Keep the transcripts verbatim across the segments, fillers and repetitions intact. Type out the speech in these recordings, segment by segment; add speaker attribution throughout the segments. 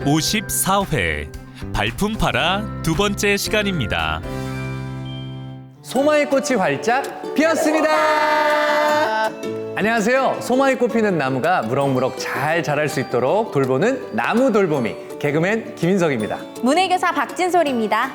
Speaker 1: 오십사 회 발품 팔아 두 번째 시간입니다.
Speaker 2: 소마의 꽃이 활짝 피었습니다. 안녕하세요. 소마의 꽃 피는 나무가 무럭무럭 잘 자랄 수 있도록 돌보는 나무 돌보미 개그맨 김인석입니다.
Speaker 3: 문해교사 박진솔입니다.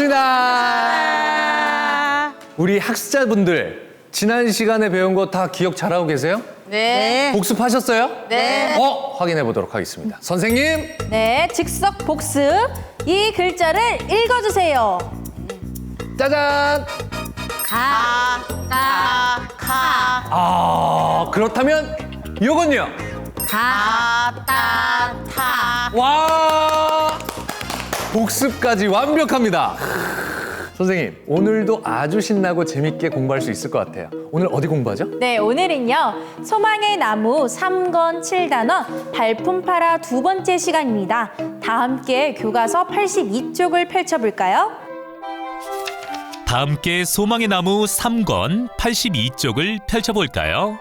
Speaker 2: 반갑습니다. 우리 학습자분들 지난 시간에 배운 거 다 기억 잘하고 계세요?
Speaker 3: 네.
Speaker 2: 복습하셨어요?
Speaker 3: 네.
Speaker 2: 어, 확인해 보도록 하겠습니다. 선생님.
Speaker 3: 네, 즉석 복습. 이 글자를 읽어주세요.
Speaker 2: 짜잔.
Speaker 3: 가, 가, 가.
Speaker 2: 아, 그렇다면 요건요.
Speaker 3: 가, 따, 타.
Speaker 2: 와! 복습까지 완벽합니다. 선생님, 오늘도 아주 신나고 재밌게 공부할 수 있을 것 같아요. 오늘 어디 공부하죠?
Speaker 3: 네, 오늘은요. 소망의 나무 삼 권 칠 단원 발품 팔아 두 번째 시간입니다. 다 함께 교과서 팔십이 쪽을 펼쳐볼까요?
Speaker 1: 다 함께 소망의 나무 삼 권 팔십이 쪽을 펼쳐볼까요?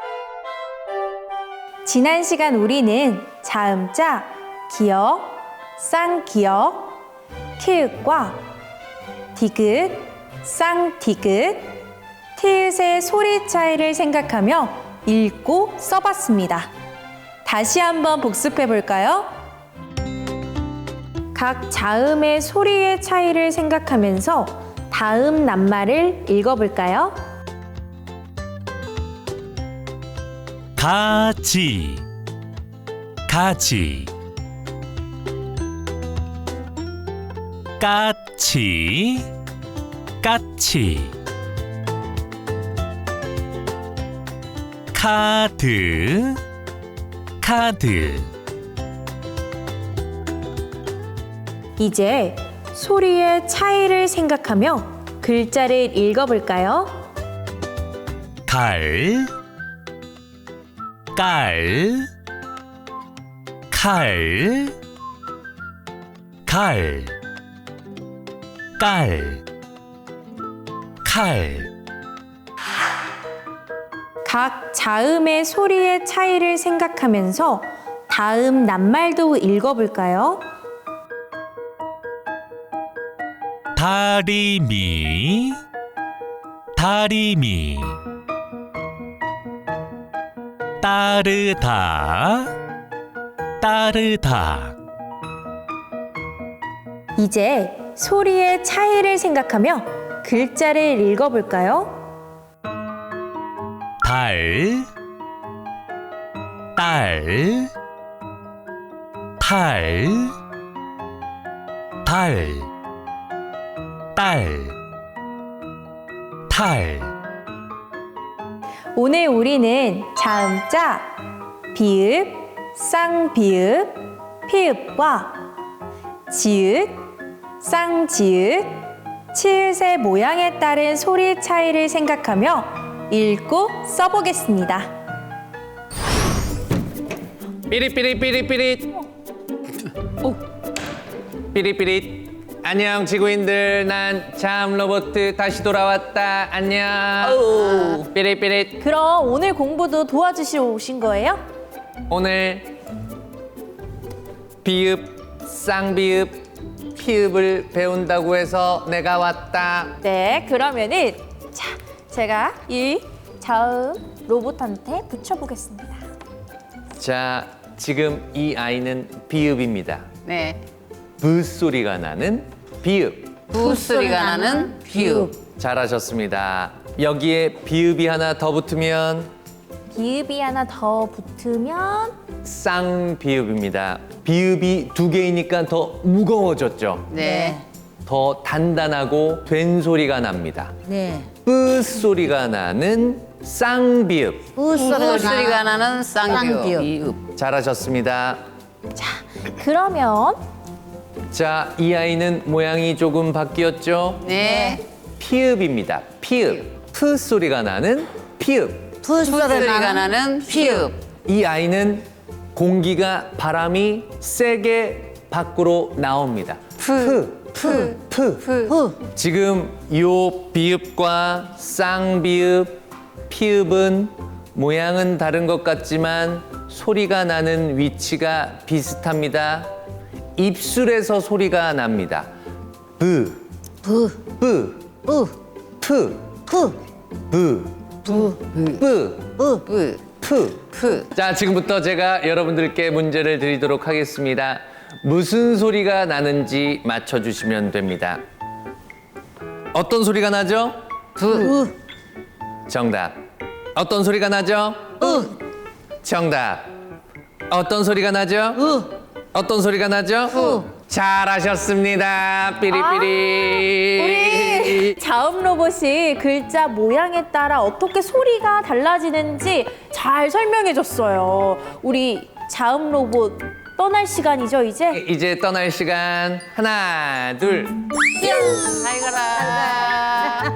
Speaker 3: 지난 시간 우리는 자음자, 기역, 쌍기역, 키읔과 디귿, 쌍디귿, 티읕의 소리 차이를 생각하며 읽고 써봤습니다. 다시 한번 복습해 볼까요? 각 자음의 소리의 차이를 생각하면서 다음 낱말을 읽어볼까요?
Speaker 1: 가지, 가지, 까치, 까치, 카드, 카드.
Speaker 3: 이제 소리의 차이를 생각하며 글자를 읽어볼까요?
Speaker 1: 갈, 깔, 칼, 갈, 깔, 칼.
Speaker 3: 각 자음의 소리의 차이를 생각하면서 다음 낱말도 읽어볼까요?
Speaker 1: 다리미, 다리미, 따르다, 따르다.
Speaker 3: 이제 소리의 차이를 생각하며 글자를 읽어볼까요?
Speaker 1: 달, 딸, 탈, 달, 딸, 탈.
Speaker 3: 오늘 우리는 자음자, 비읍, 쌍비읍, 피읍과 지읒, 쌍지읒, 치읒의 모양에 따른 소리 차이를 생각하며 읽고 써보겠습니다.
Speaker 2: 삐릿삐릿삐릿삐릿. 삐릿삐릿. 안녕 지구인들, 난 참 로봇 다시 돌아왔다. 안녕. 삐릿삐릿.
Speaker 3: 그럼 오늘 공부도 도와주시러 오신 거예요?
Speaker 2: 오늘 비읍, 쌍비읍, 피읍을 배운다고 해서 내가 왔다.
Speaker 3: 네, 그러면은 자, 제가 이 자음 로봇한테 붙여보겠습니다.
Speaker 2: 자, 지금 이 아이는 비읍입니다.
Speaker 4: 네.
Speaker 2: 브 소리가 나는 비읍.
Speaker 4: 부 소리가 나는 비읍.
Speaker 2: 잘하셨습니다. 여기에 비읍이 하나 더 붙으면
Speaker 3: 비읍이 하나 더 붙으면
Speaker 2: 쌍비읍입니다. 비읍이 두 개이니까 더 무거워졌죠.
Speaker 4: 네.
Speaker 2: 더 단단하고 된 소리가 납니다.
Speaker 4: 네.
Speaker 2: 뿌 소리가 나는 쌍비읍.
Speaker 4: 부 소리가 나는 쌍비읍. 비읍.
Speaker 2: 잘하셨습니다.
Speaker 3: 자, 그러면
Speaker 2: 자, 이 아이는 모양이 조금 바뀌었죠?
Speaker 4: 네.
Speaker 2: 피읍입니다. 피읍. 푸 소리가 나는 피읍.
Speaker 4: 부 소리가 나는 피읍.
Speaker 2: 이 아이는 공기가 바람이 세게 밖으로 나옵니다. 푸, 푸, 푸.
Speaker 4: 부.
Speaker 2: 지금 요 비읍과 쌍비읍, 피읍은 모양은 다른 것 같지만 소리가 나는 위치가 비슷합니다. 입술에서 소리가 납니다. 브,
Speaker 5: 부,
Speaker 2: 뿌,
Speaker 5: 뿌,
Speaker 2: 프,
Speaker 5: 푸,
Speaker 2: 브,
Speaker 5: 부,
Speaker 2: 뿌,
Speaker 5: 뿌.
Speaker 4: 뿌,
Speaker 2: 프.
Speaker 4: 푸.
Speaker 2: 자, 지금부터 제가 여러분들께 문제를 드리도록 하겠습니다. 무슨 소리가 나는지 맞춰주시면 됩니다. 어떤 소리가 나죠?
Speaker 4: 부.
Speaker 2: 정답. 어떤 소리가 나죠?
Speaker 5: 으,
Speaker 2: 정답. 어떤 소리가 나죠?
Speaker 5: 으.
Speaker 2: 어떤 소리가 나죠?
Speaker 5: 후.
Speaker 2: 잘하셨습니다. 삐리삐리.
Speaker 3: 우리 자음 로봇이 글자 모양에 따라 어떻게 소리가 달라지는지 잘 설명해 줬어요. 우리 자음 로봇 떠날 시간이죠, 이제?
Speaker 2: 이제 떠날 시간. 하나, 둘.
Speaker 4: 잘 가라.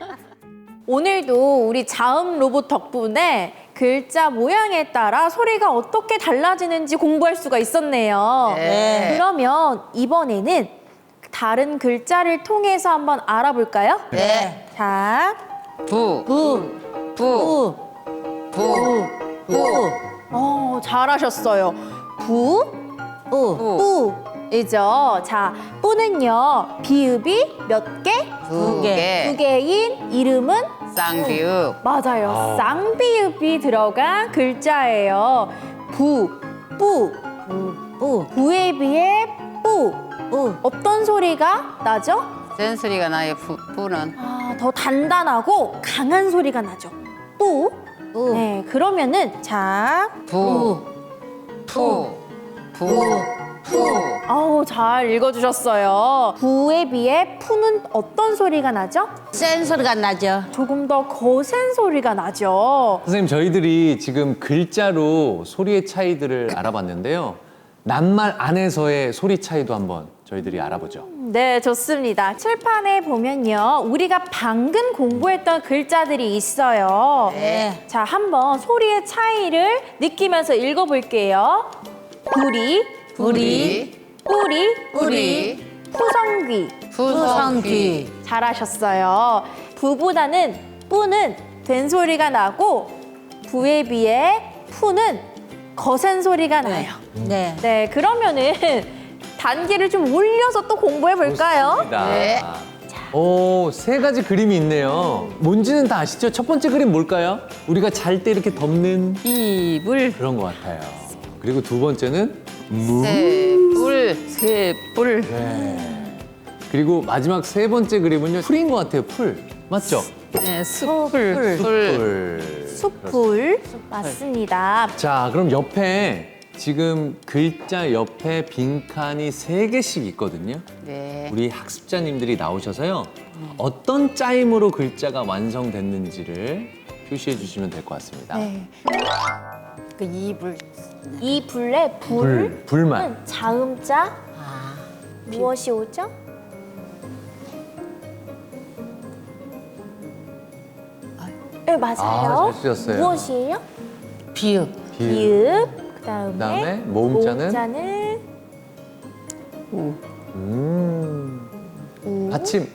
Speaker 3: 오늘도 우리 자음 로봇 덕분에 글자 모양에 따라 소리가 어떻게 달라지는지 공부할 수가 있었네요.
Speaker 4: 네.
Speaker 3: 그러면 이번에는 다른 글자를 통해서 한번 알아볼까요?
Speaker 4: 네.
Speaker 3: 자,
Speaker 4: 부,
Speaker 5: 부,
Speaker 4: 부,
Speaker 5: 부,
Speaker 4: 부,
Speaker 5: 부,
Speaker 3: 어, 잘하셨어요. 부,
Speaker 5: 부,
Speaker 3: 뿌. 이죠. 자, 뿌는요, 비읍이 몇 개?
Speaker 4: 두
Speaker 5: 개.
Speaker 4: 개.
Speaker 3: 두 개인 이름은?
Speaker 4: 쌍비읍.
Speaker 3: 맞아요. 쌍비읍이 들어간 글자예요. 부, 뿌.
Speaker 5: 부, 부,
Speaker 3: 부에 비해 뿌.
Speaker 5: 부.
Speaker 3: 어떤 소리가 나죠?
Speaker 4: 센 소리가 나요. 부, 부는.
Speaker 3: 아, 더 단단하고 강한 소리가 나죠. 뿌.
Speaker 5: 부,
Speaker 3: 네, 그러면은 자,
Speaker 4: 부, 푸, 부, 푸.
Speaker 3: 아우 잘 읽어주셨어요. 부에 비해 푸는 어떤 소리가 나죠?
Speaker 5: 센 소리가 나죠.
Speaker 3: 조금 더 거센 소리가 나죠.
Speaker 2: 선생님, 저희들이 지금 글자로 소리의 차이들을 알아봤는데요. 낱말 안에서의 소리 차이도 한번 저희들이 알아보죠.
Speaker 3: 네, 좋습니다. 칠판에 보면요, 우리가 방금 공부했던 글자들이 있어요.
Speaker 5: 네.
Speaker 3: 자, 한번 소리의 차이를 느끼면서 읽어볼게요. 부리,
Speaker 5: 부리,
Speaker 3: 뿌리,
Speaker 4: 뿌리,
Speaker 3: 푸성귀.
Speaker 5: 푸성귀.
Speaker 3: 잘하셨어요. 부보다는 뿌는 된 소리가 나고 부에 비해 푸는 거센 소리가 나요.
Speaker 5: 네.
Speaker 3: 네, 그러면은 단계를 좀 올려서 또 공부해 볼까요?
Speaker 2: 좋습니다.
Speaker 4: 네.
Speaker 2: 오, 세 가지 그림이 있네요. 뭔지는 다 아시죠? 첫 번째 그림 뭘까요? 우리가 잘 때 이렇게 덮는
Speaker 4: 이불,
Speaker 2: 그런 것 같아요. 그리고 두 번째는 무.
Speaker 4: 새뿔, 새뿔.
Speaker 2: 네. 그리고 마지막 세 번째 그림은요, 풀인 것 같아요. 풀. 맞죠?
Speaker 4: 네, 숯불,
Speaker 3: 숯불.
Speaker 4: 풀.
Speaker 2: 풀.
Speaker 3: 숯불 맞습니다.
Speaker 2: 자, 그럼 옆에 지금 글자 옆에 빈칸이 세 개씩 있거든요.
Speaker 4: 네.
Speaker 2: 우리 학습자님들이 나오셔서요. 어떤 짜임으로 글자가 완성됐는지를 표시해 주시면 될 것 같습니다.
Speaker 3: 네.
Speaker 5: 그 이불.
Speaker 3: 이 불의
Speaker 2: 불,
Speaker 3: 불은
Speaker 2: 불만.
Speaker 3: 자음자
Speaker 5: 아,
Speaker 3: 무엇이 오죠? 네, 맞아요.
Speaker 2: 아, 잘 쓰셨어요.
Speaker 3: 무엇이에요?
Speaker 5: 비읍.
Speaker 2: 비읍.
Speaker 3: 비읍. 그다음에,
Speaker 2: 그다음에 모음자는?
Speaker 3: 모음자는
Speaker 2: 음. 받침.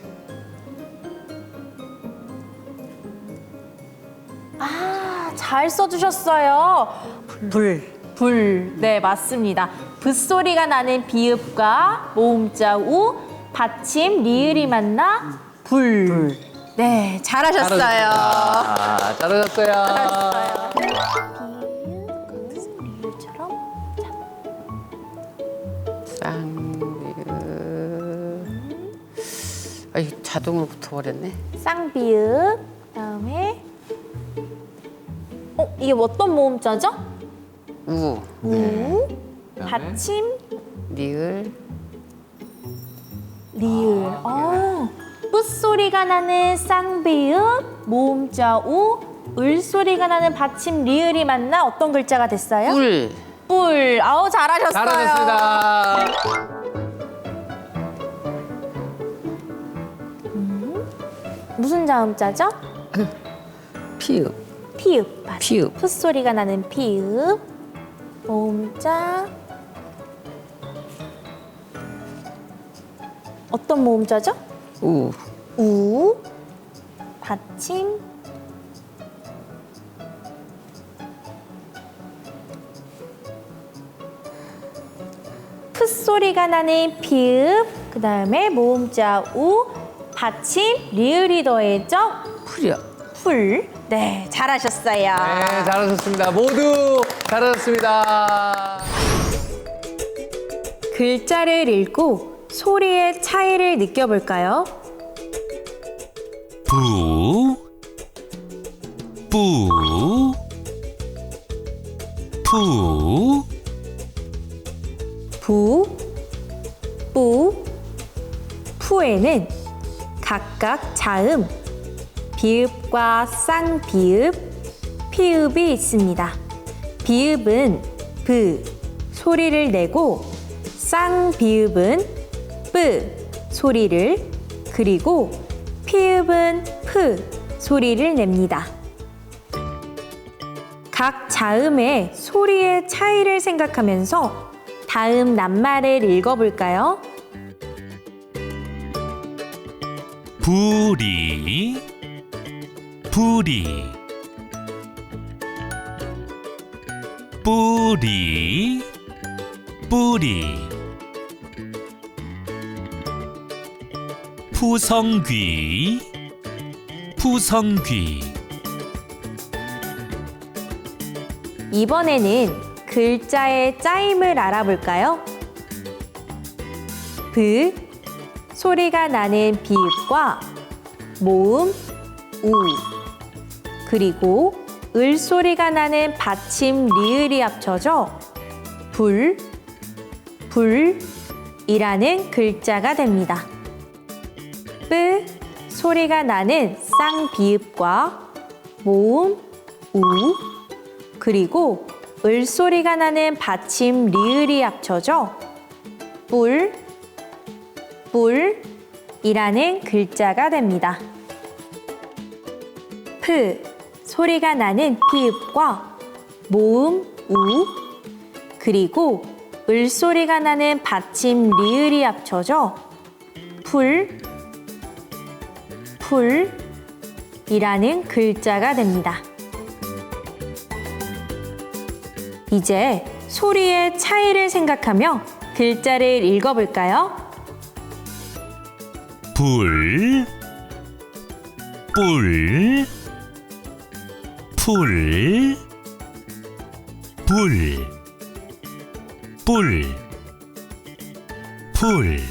Speaker 3: 아, 잘 써주셨어요.
Speaker 5: 불.
Speaker 3: 불. 네, 맞습니다. 붓소리가 나는 비읍과 모음자 우, 받침 리을이 만나 불. 네, 잘하셨어요.
Speaker 2: 아, 잘하셨어요.
Speaker 3: 잘하셨어요. 비읍, 리을처럼.
Speaker 4: 쌍비읍. 아이, 자동으로 붙어버렸네.
Speaker 3: 쌍비읍. 그다음에 어, 이게 어떤 모음자죠?
Speaker 4: 우,
Speaker 3: 우.
Speaker 2: 그다음에?
Speaker 3: 받침
Speaker 4: 리을,
Speaker 3: 리을. 어. 뿌 소리가 나는 쌍비읍, 모음자 우, 을 소리가 나는 받침 리을이 만나 어떤 글자가 됐어요?
Speaker 4: 뿔.
Speaker 3: 뿔. 아우 잘하셨어요.
Speaker 2: 잘하셨습니다.
Speaker 3: 무슨 자음자죠?
Speaker 4: 피읍.
Speaker 3: 피읍. 맞아요.
Speaker 4: 피읍.
Speaker 3: 푸 소리가 나는 피읍. 모음자. 어떤 모음자죠?
Speaker 4: 우,
Speaker 3: 우. 받침. 풋 소리가 나는 피읍, 그 다음에 모음자 우, 받침 리을이 더해져
Speaker 4: 풀이요.
Speaker 3: 풀. 네, 잘하셨어요.
Speaker 2: 네, 잘하셨습니다. 모두 잘하셨습니다.
Speaker 3: 글자를 읽고 소리의 차이를 느껴볼까요?
Speaker 1: 부, 뿌, 푸,
Speaker 3: 부, 뿌, 푸에는 각각 자음, 비읍과 쌍비읍, 피읍이 있습니다. 비읍은 브 소리를 내고 쌍비읍은 뿌 소리를, 그리고 피읍은 프 소리를 냅니다. 각 자음의 소리의 차이를 생각하면서 다음 낱말을 읽어볼까요?
Speaker 1: 부리, 부리, 뿌리, 뿌리, 푸성귀, 푸성귀.
Speaker 3: 이번에는 글자의 짜임을 알아볼까요? 브 소리가 나는 비읍과 모음 우, 그리고 을 소리가 나는 받침 리을이 합쳐져 불, 불이라는 글자가 됩니다. 뿌 소리가 나는 쌍비읍과 모음 우, 그리고 을 소리가 나는 받침 리을이 합쳐져 뿔, 뿔이라는 글자가 됩니다. 프 소리가 나는 피읍과 모음 우, 그리고 을 소리가 나는 받침 리을이 합쳐져 풀, 풀이라는 글자가 됩니다. 이제 소리의 차이를 생각하며 글자를 읽어볼까요?
Speaker 1: 불, 뿔, 풀, 불, 뿔, 풀.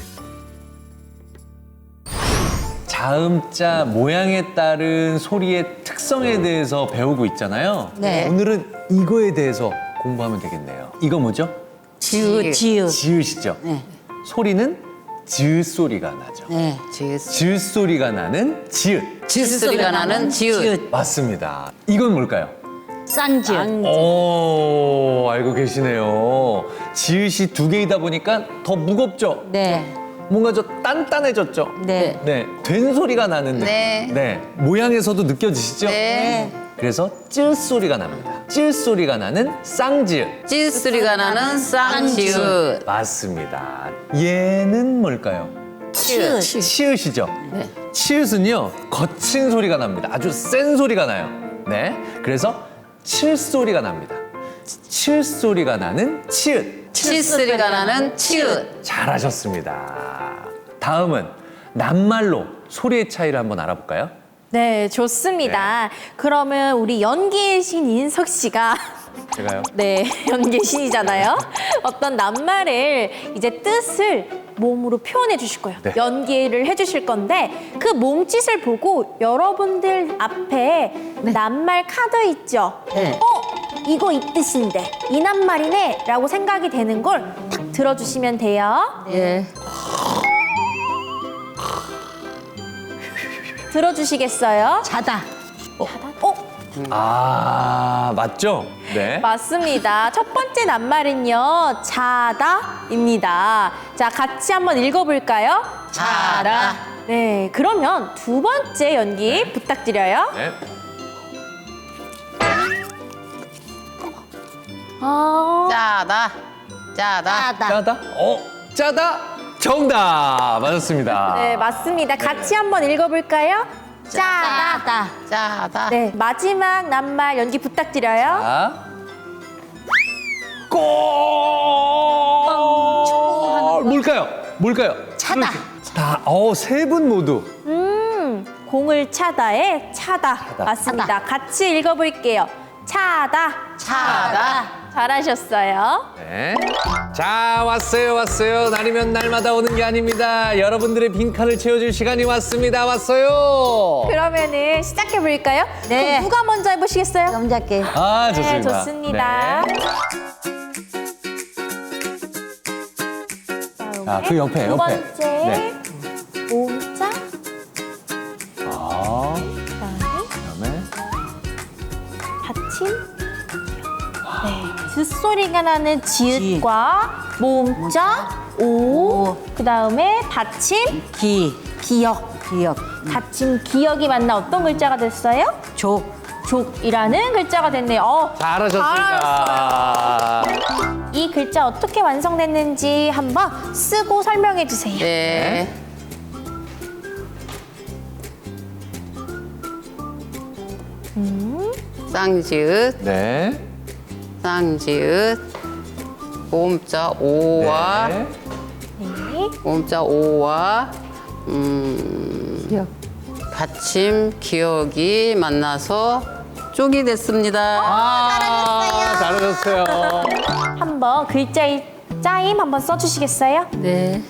Speaker 2: 자음자 모양에 따른 소리의 특성에 대해서 배우고 있잖아요.
Speaker 5: 네.
Speaker 2: 오늘은 이거에 대해서 공부하면 되겠네요. 이거 뭐죠?
Speaker 5: 지읒. 지읒.
Speaker 2: 지읒이죠.
Speaker 5: 네.
Speaker 2: 소리는 지읒 소리가 나죠.
Speaker 5: 네.
Speaker 4: 지읒.
Speaker 2: 지읒 소리가 나는 지읒.
Speaker 4: 지읒 소리가 나는 지읒.
Speaker 2: 맞습니다. 이건 뭘까요?
Speaker 5: 쌍지읒.
Speaker 2: 오, 알고 계시네요. 지읒이 두 개이다 보니까 더 무겁죠?
Speaker 5: 네.
Speaker 2: 뭔가 좀 단단해졌죠?
Speaker 5: 네.
Speaker 2: 네, 된 소리가 나는 느낌.
Speaker 4: 네.
Speaker 2: 네, 모양에서도 느껴지시죠?
Speaker 4: 네.
Speaker 2: 그래서 찌읒 소리가 납니다. 찌읒 소리가 나는 쌍지읒.
Speaker 4: 지읒 소리가 나는 쌍지읒.
Speaker 2: 맞습니다. 얘는 뭘까요?
Speaker 5: 치읒.
Speaker 2: 치읒이죠?
Speaker 4: 네.
Speaker 2: 치읒은요, 거친 소리가 납니다. 아주 센 소리가 나요. 네, 그래서 칠 소리가 납니다. 칠 소리가 나는 치읒.
Speaker 4: 치읒 소리가 나는 치읒.
Speaker 2: 잘하셨습니다. 다음은 낱말로 소리의 차이를 한번 알아볼까요?
Speaker 3: 네, 좋습니다. 그러면 우리 연기의 신 인석 씨가
Speaker 2: 제가요?
Speaker 3: 네, 연기의 신이잖아요. 어떤 낱말을 이제 뜻을 몸으로 표현해 주실 거예요.
Speaker 2: 네.
Speaker 3: 연기를 해 주실 건데 그 몸짓을 보고 여러분들 앞에 낱말 카드 있죠?
Speaker 5: 네.
Speaker 3: 어? 이거 이 뜻인데 이 낱말이네 라고 생각이 되는 걸 딱 들어주시면 돼요.
Speaker 4: 예.
Speaker 3: 들어주시겠어요?
Speaker 5: 자다.
Speaker 3: 어?
Speaker 2: 아, 맞죠? 네.
Speaker 3: 맞습니다. 첫 번째 낱말은요, 자다입니다. 자, 같이 한번 읽어볼까요?
Speaker 4: 자다.
Speaker 3: 네, 그러면 두 번째 연기 부탁드려요.
Speaker 2: 네.
Speaker 3: 아,
Speaker 4: 짜다. 짜다.
Speaker 5: 자다.
Speaker 2: 짜다? 어, 짜다? 정답! 맞았습니다.
Speaker 3: 네, 맞습니다. 같이 한번 읽어볼까요? 짜다.
Speaker 5: 자다.
Speaker 4: 짜다.
Speaker 3: 네, 마지막 낱말 연기 부탁드려요.
Speaker 2: 자. 꽁! 뭘까요?
Speaker 4: 차다.
Speaker 2: 다, 어, 세 분 모두.
Speaker 3: 음, 공을 차다에 차다. 맞습니다. 같이 읽어볼게요. 차다.
Speaker 4: 차다.
Speaker 3: 잘하셨어요.
Speaker 2: 네. 자, 왔어요, 왔어요. 날이면 날마다 오는 게 아닙니다. 여러분들의 빈칸을 채워줄 시간이 왔습니다. 왔어요.
Speaker 3: 그러면은 시작해볼까요?
Speaker 5: 네.
Speaker 3: 그럼 누가 먼저 해보시겠어요?
Speaker 5: 남자께.
Speaker 2: 아, 좋습니다.
Speaker 3: 네, 좋습니다.
Speaker 2: 네. 자, 그 옆에,
Speaker 3: 두
Speaker 2: 옆에.
Speaker 3: 번째,
Speaker 2: 네.
Speaker 3: 모음자,
Speaker 2: 아,
Speaker 3: 그다음에
Speaker 2: 그다음에
Speaker 3: 받침. 네, 쯧소리가 나는 지읒과 모음자, 오, 그 다음에 받침,
Speaker 5: 기.
Speaker 3: 기역.
Speaker 5: 기억.
Speaker 3: 받침 기역이 만나 어떤 글자가 됐어요?
Speaker 5: 족.
Speaker 3: 족이라는 글자가 됐네요. 어,
Speaker 2: 잘하셨습니다.
Speaker 3: 이 글자 어떻게 완성됐는지 한번 쓰고 설명해 주세요.
Speaker 4: 네. 쌍지읒,
Speaker 2: 네.
Speaker 4: 쌍지읒, 모음자 오와
Speaker 2: 네.
Speaker 3: 네.
Speaker 4: 모음자 오와 음, 받침 기억이 만나서 쪽이 됐습니다.
Speaker 2: 아, 잘하셨어요.
Speaker 3: 한번 글자의 짜임 한번 써주시겠어요?
Speaker 4: 네.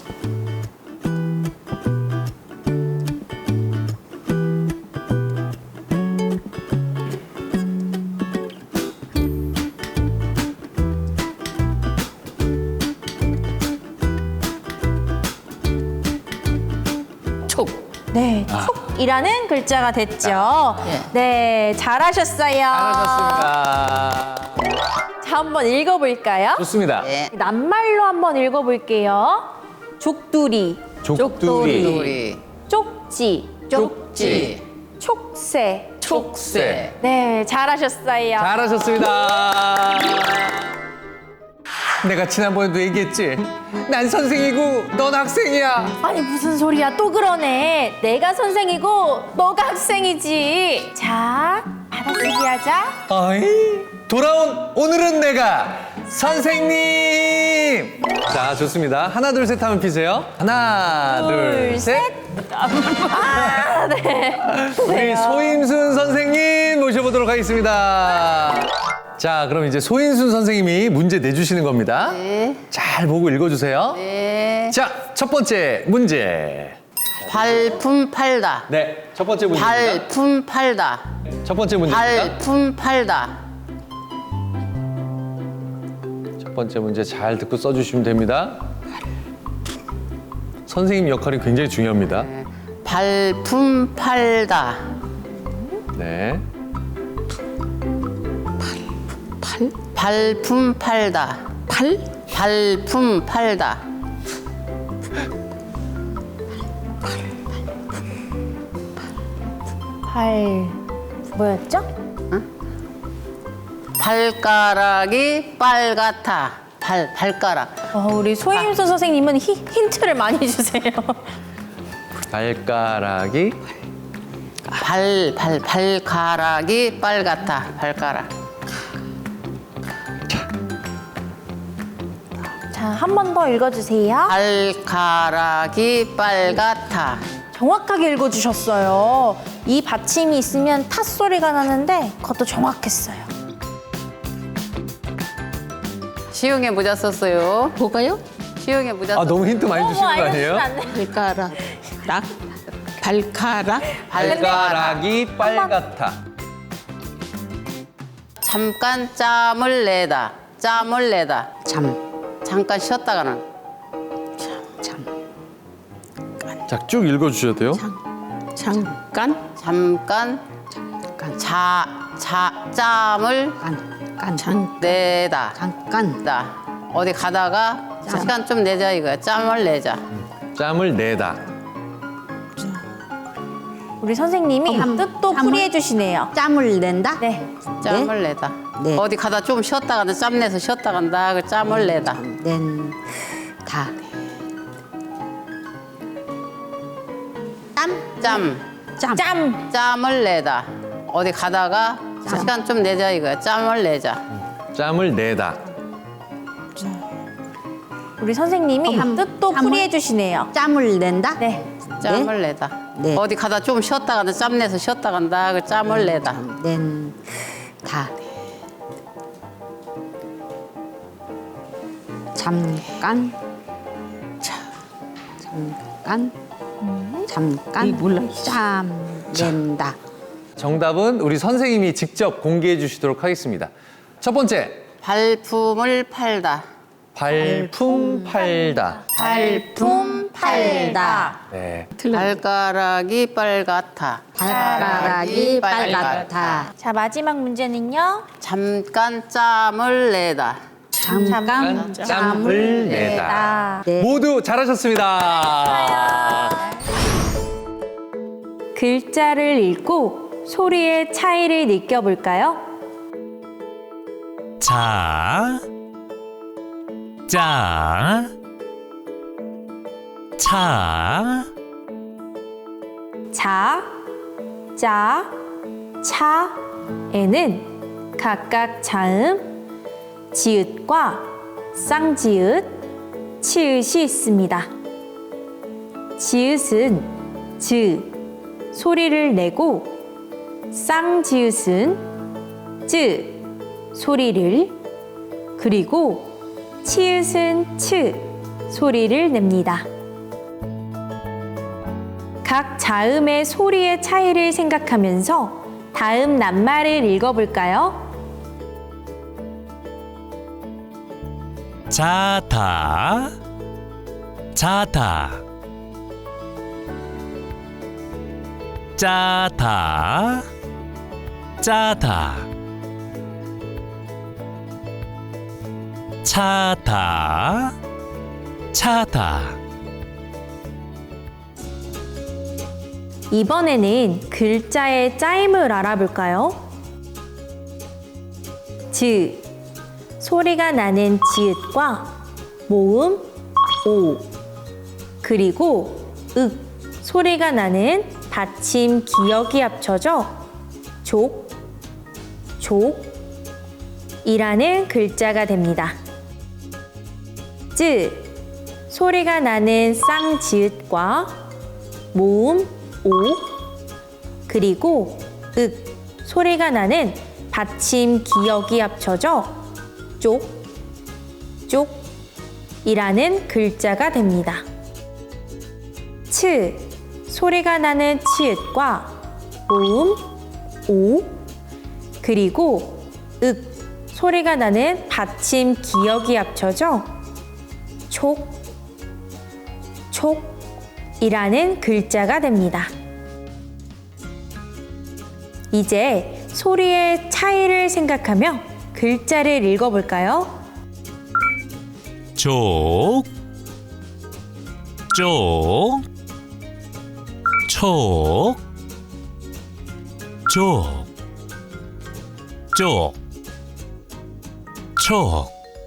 Speaker 4: 촉.
Speaker 3: 네, 촉이라는 글자가 됐죠.
Speaker 4: 네.
Speaker 3: 네, 잘하셨어요.
Speaker 2: 잘하셨습니다.
Speaker 3: 자, 한번 읽어볼까요?
Speaker 2: 좋습니다.
Speaker 4: 네.
Speaker 3: 낱말로 한번 읽어볼게요. 족두리,
Speaker 2: 족두리,
Speaker 4: 우리
Speaker 3: 쪽지,
Speaker 4: 쪽지,
Speaker 3: 촉새.
Speaker 4: 촉새.
Speaker 3: 네, 잘하셨어요.
Speaker 2: 잘하셨습니다. 내가 지난번에도 얘기했지. 난 선생이고 넌 학생이야.
Speaker 3: 아니 무슨 소리야, 또 그러네. 내가 선생이고 너가 학생이지. 자, 받아쓰기 하자.
Speaker 2: 어이, 돌아온 오늘은 내가 선생님. 자, 좋습니다. 하나 둘 셋 하면 피세요. 하나 둘,
Speaker 3: 둘,
Speaker 2: 셋.
Speaker 3: 아, 네.
Speaker 2: 우리 소임순 선생님 모셔보도록 하겠습니다. 자, 그럼 이제 소임순 선생님이 문제 내주시는 겁니다.
Speaker 4: 네.
Speaker 2: 잘 보고 읽어주세요.
Speaker 4: 네.
Speaker 2: 자, 첫 번째 문제.
Speaker 4: 발품 팔다.
Speaker 2: 네, 첫 번째 문제입니다.
Speaker 4: 발품 팔다.
Speaker 2: 첫 번째 문제입니다.
Speaker 4: 발품 팔다.
Speaker 2: 첫 번째 문제 잘 듣고 써주시면 됩니다. 선생님 역할이 굉장히 중요합니다.
Speaker 4: 발품 팔다.
Speaker 2: 네.
Speaker 4: 팔? 발품 팔다. 팔? 발품 팔다.
Speaker 3: 발 뭐였죠?
Speaker 4: 발가락이 빨갛다. 발, 발가락.
Speaker 3: 어, 우리 소임순 선생님은 히, 힌트를 많이 주세요.
Speaker 2: 발가락이
Speaker 4: 발, 발, 발가락이 빨갛다. 발가락.
Speaker 3: 자, 한 번 더 읽어주세요.
Speaker 4: 발가락이 빨갛다.
Speaker 3: 정확하게 읽어주셨어요. 이 받침이 있으면 탓 소리가 나는데 그것도 정확했어요.
Speaker 4: 시흥에 모자 썼어요.
Speaker 5: 뭐가요?
Speaker 4: 시흥에 모자
Speaker 2: 아,
Speaker 4: 썼어요.
Speaker 2: 너무 힌트 많이 주시는 거 아니에요?
Speaker 5: 발가락. 락. 발가락.
Speaker 2: 발가락이 빨갛다.
Speaker 4: 잠깐 짬을 내다. 짬을 내다.
Speaker 5: 잠.
Speaker 4: 잠깐 쉬었다가는.
Speaker 5: 잠.
Speaker 2: 자, 쭉 읽어주셔도 돼요.
Speaker 5: 잠깐.
Speaker 4: 잠깐
Speaker 5: 잠깐.
Speaker 4: 자, 자, 짬을
Speaker 5: 깐. 깐. 잠.
Speaker 4: 내다.
Speaker 5: 잠깐.
Speaker 4: 다 어디 가다가
Speaker 5: 짬.
Speaker 4: 시간 좀 내자 이거야. 짬을 내자.
Speaker 2: 짬을 내다.
Speaker 3: 우리 선생님이
Speaker 5: 짬.
Speaker 3: 뜻도
Speaker 5: 짬을?
Speaker 3: 풀이해 주시네요.
Speaker 5: 짬을 낸다.
Speaker 3: 네.
Speaker 4: 짬을 내다.
Speaker 5: 네.
Speaker 4: 어디 가다 좀 쉬었다 간다. 짬 내서 쉬었다 간다. 그 짬을 내다.
Speaker 5: 낸. 다.
Speaker 4: 짬. 짬.
Speaker 5: 짬.
Speaker 3: 짬.
Speaker 4: 짬을 내다. 어디 가다가
Speaker 5: 짬.
Speaker 4: 시간 좀 내자 이거야. 짬을 내자.
Speaker 2: 짬을 내다.
Speaker 3: 우리 선생님이
Speaker 5: 음,
Speaker 3: 뜻도
Speaker 5: 짬을?
Speaker 3: 풀이해 주시네요.
Speaker 5: 짬을 낸다?
Speaker 3: 네.
Speaker 4: 짬을 내다.
Speaker 5: 네.
Speaker 4: 어디 가다 좀 쉬었다 간다. 짬 내서 쉬었다 간다. 그 짬을 내다.
Speaker 5: 낸다. 잠깐. 자, 잠깐. 잠깐. 몰라. 짬 낸다.
Speaker 2: 정답은 우리 선생님이 직접 공개해 주시도록 하겠습니다. 첫 번째,
Speaker 4: 발품을 팔다.
Speaker 2: 발품 팔다.
Speaker 3: 발품 팔다.
Speaker 2: 네.
Speaker 4: 발가락이 빨갛다.
Speaker 5: 발가락이 빨갛다.
Speaker 3: 자, 마지막 문제는요.
Speaker 4: 잠깐 짬을 내다.
Speaker 5: 잠깐
Speaker 2: 짬을 내다.
Speaker 3: 아,
Speaker 5: 네.
Speaker 2: 모두 잘하셨습니다.
Speaker 3: 글자를 읽고 소리의 차이를 느껴볼까요?
Speaker 1: 자, 짜, 차,
Speaker 3: 자, 자, 차에는 각각 자음, 지읒과 쌍지읒, 치읒이 있습니다. 지읒은 즈 소리를 내고 쌍지읒은 쯔 소리를 그리고 치읒은 츠 소리를 냅니다. 각 자음의 소리의 차이를 생각하면서 다음 낱말을 읽어볼까요?
Speaker 1: 자다, 자다, 짜다, 짜다, 차다, 차다.
Speaker 3: 이번에는 글자의 짜임을 알아볼까요? 즈 소리가 나는 지읒과 모음 오 그리고 윽 소리가 나는 받침 기역이 합쳐져 족, 족이라는 글자가 됩니다. 쯔 소리가 나는 쌍지읒과 모음 오 그리고 윽 소리가 나는 받침 기역이 합쳐져 쪽, 쪽이라는 글자가 됩니다. 츠 소리가 나는 치읒과 모음 오 그리고 윽 소리가 나는 받침 기역이 합쳐져 촉, 촉이라는 글자가 됩니다. 이제 소리의 차이를 생각하며 글자를 읽어볼까요?
Speaker 1: 쪽, 쪽, 촉, 쪽, 쪽, 촉.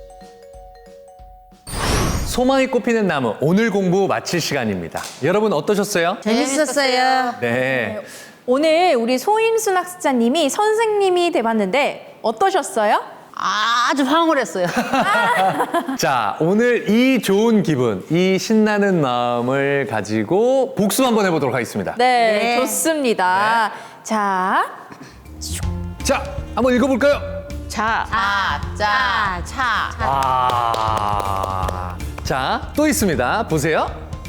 Speaker 2: 소망이 꽃피는 나무, 오늘 공부 마칠 시간입니다. 여러분 어떠셨어요?
Speaker 5: 재밌었어요.
Speaker 2: 네.
Speaker 3: 오늘 우리 소임순 학습자님이 선생님이 돼봤는데 어떠셨어요?
Speaker 4: 아주 황홀했어요.
Speaker 2: 자, 오늘 이 좋은 기분, 이 신나는 마음을 가지고 복습 한번 해보도록 하겠습니다.
Speaker 3: 네, 좋습니다. 자,
Speaker 2: 자, 한번 읽어볼까요?
Speaker 4: 자, 아, 짜, 차.
Speaker 2: 아, 자, 또 있습니다. 보세요.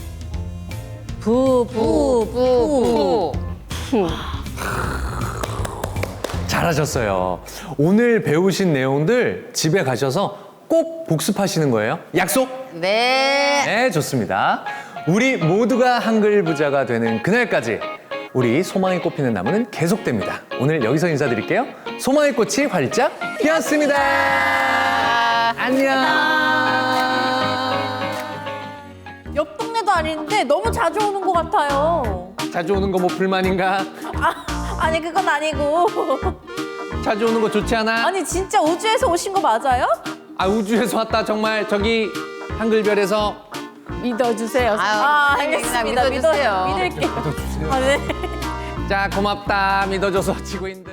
Speaker 3: 부, 부, 부.
Speaker 2: 잘하셨어요. 오늘 배우신 내용들 집에 가셔서 꼭 복습하시는 거예요. 약속?
Speaker 4: 네.
Speaker 2: 네, 좋습니다. 우리 모두가 한글 부자가 되는 그날까지 우리 소망이 꽃피는 나무는 계속됩니다. 오늘 여기서 인사드릴게요. 소망의 꽃이 활짝 피었습니다. 안녕.
Speaker 3: 옆 동네도 아닌데 너무 자주 오는 것 같아요.
Speaker 2: 자주 오는 거 뭐 불만인가?
Speaker 3: 아, 아니 그건 아니고.
Speaker 2: 자주 오는 거 좋지 않아?
Speaker 3: 아니 진짜 우주에서 오신 거 맞아요?
Speaker 2: 아, 우주에서 왔다 정말 저기 한글별에서
Speaker 3: 믿어주세요.
Speaker 4: 아유,
Speaker 3: 아,
Speaker 4: 선생님이나
Speaker 3: 알겠습니다.
Speaker 4: 믿어주세요.
Speaker 3: 믿어, 믿을게요. 아, 네.
Speaker 2: 자, 고맙다 믿어줘서 지구인들.